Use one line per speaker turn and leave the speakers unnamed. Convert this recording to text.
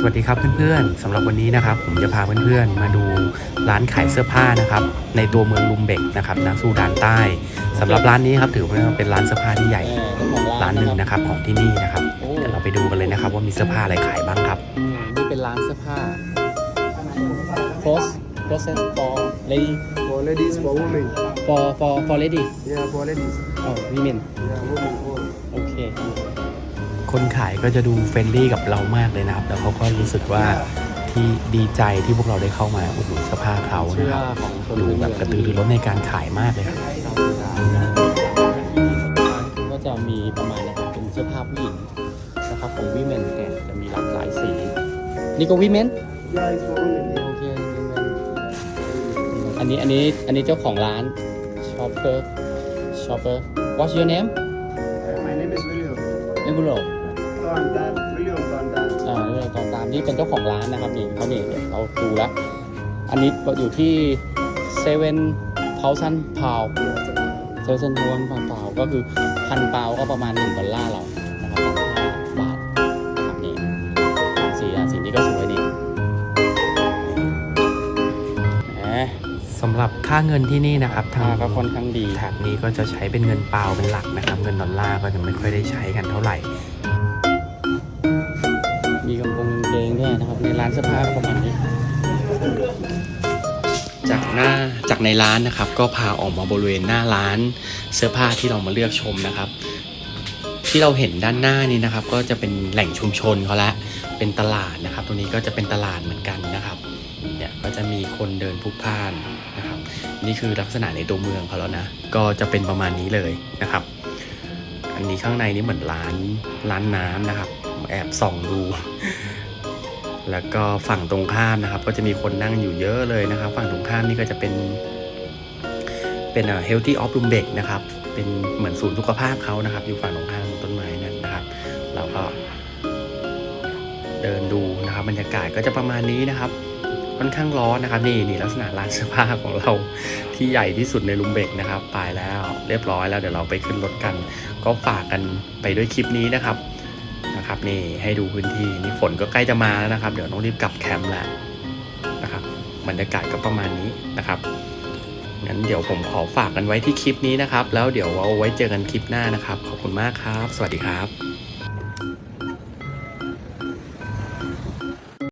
วัสดีครับเพื่อนๆสำหรับวันนี้นะครับผมจะพาเพื่อนๆมาดูร้านขายเสื้อผ้านะครับในตัวเมืองลุมเบกนะครับนะซูดานใต้สำหรับร้านนี้ครับถือว่าเป็นร้านเสื้อผ้าที่ใหญ่ร้านหนึ่งนะครับของที่นี่นะครับเดี๋ยวเราไปดูกันเลยนะครับว่ามีเสื้อผ้าอะไรขายบ้างครับ
นี่เป็นร้านเสื้อผ้า clothes for lady
For ladies, for women.
for lady
Yeah, for ladies.
oh women
Yeah, women. All.
โอเค
คนขายก็จะดูเฟรนลี่กับเรามากเลยนะครับแล้วเขาก็รู้สึกว่าที่ดีใจที่พวกเราได้เข้ามาอุดหนุนเสื้อผ้าเขานะครับดูแบบกระตือรือร้นในการขายมากเลยครับ
ก็จะมีประมาณนะครับเป็นเสื้อผ้าผู้หญิงนะครับของ women เนี่ยจะมีหลากหลายสีนี่ก็ women
Yeah, it's for women.
โอเค women อันนี้เจ้าของร้าน shopper what's your name
My name is William.
เอบุโร
Tondan. William Tondan.
เราตอนตามนี่เป็นเจ้าของร้านนะครับนี่เขาเนี่ยเราดูแล้วอันนี้อยู่ที่7,000 pound 7,000 pound ก็คือ1,000 pound ก็ประมาณ$1เรานะครับ5 บาทนะครับนี่สีนี้ก็สวยดี
สำหรับค่าเงินที่นี่นะครับทาง
ก็ค่อนข้างดี
แถบนี้ก็จะใช้เป็นเงินเปาเป็นหลักนะครับเงินดอลลาร์ก็จะไม่ค่อยได้ใช้กันเท่าไหร่
มีกางเกงด้วยนะครับในร้านเสื้อผ้าก็ประมาณนี้จากในร้านนะครับก็พาออกมาบริเวณหน้าร้านเสื้อผ้าที่เรามาเลือกชมนะครับที่เราเห็นด้านหน้านี้นะครับก็จะเป็นแหล่งชุมชนเขาละเป็นตลาดนะครับตรงนี้ก็จะเป็นตลาดเหมือนกันนะครับเนี่ยก็จะมีคนเดินพลุกพล่านนะครับนี่คือลักษณะในตัวเมืองเขาแล้วนะก็จะเป็นประมาณนี้เลยนะครับอันนี้ข้างในนี่เหมือนร้านน้ำนะครับแอบส่องดูแล้วก็ฝั่งตรงข้ามนะครับก็จะมีคนนั่งอยู่เยอะเลยนะครับฝั่งตรงข้ามนี่ก็จะเป็นHealthy of Lumbek นะครับเป็นเหมือนศูนย์สุขภาพเขานะครับอยู่ฝั่งตรงข้ามต้นไม้นั่นนะครับเราก็เดินดูนะครับบรรยากาศก็จะประมาณนี้นะครับค่อนข้างร้อนนะครับนี่ลักษณะร้านเสื้อผ้าของเราที่ใหญ่ที่สุดในลุมเบกนะครับไปแล้วเรียบร้อยแล้วเดี๋ยวเราไปขึ้นรถกันก็ฝากกันไปด้วยคลิปนี้นะครับนี่ให้ดูพื้นที่นี่ฝนก็ใกล้จะมาแล้วนะครับเดี๋ยวต้องรีบกลับแคมป์แล้วนะครับบรรยากาศก็ประมาณนี้นะครับงั้นเดี๋ยวผมขอฝากกันไว้ที่คลิปนี้นะครับแล้วเดี๋ยวเอาไว้เจอกันคลิปหน้านะครับขอบคุณมากครับสวัสดีครับ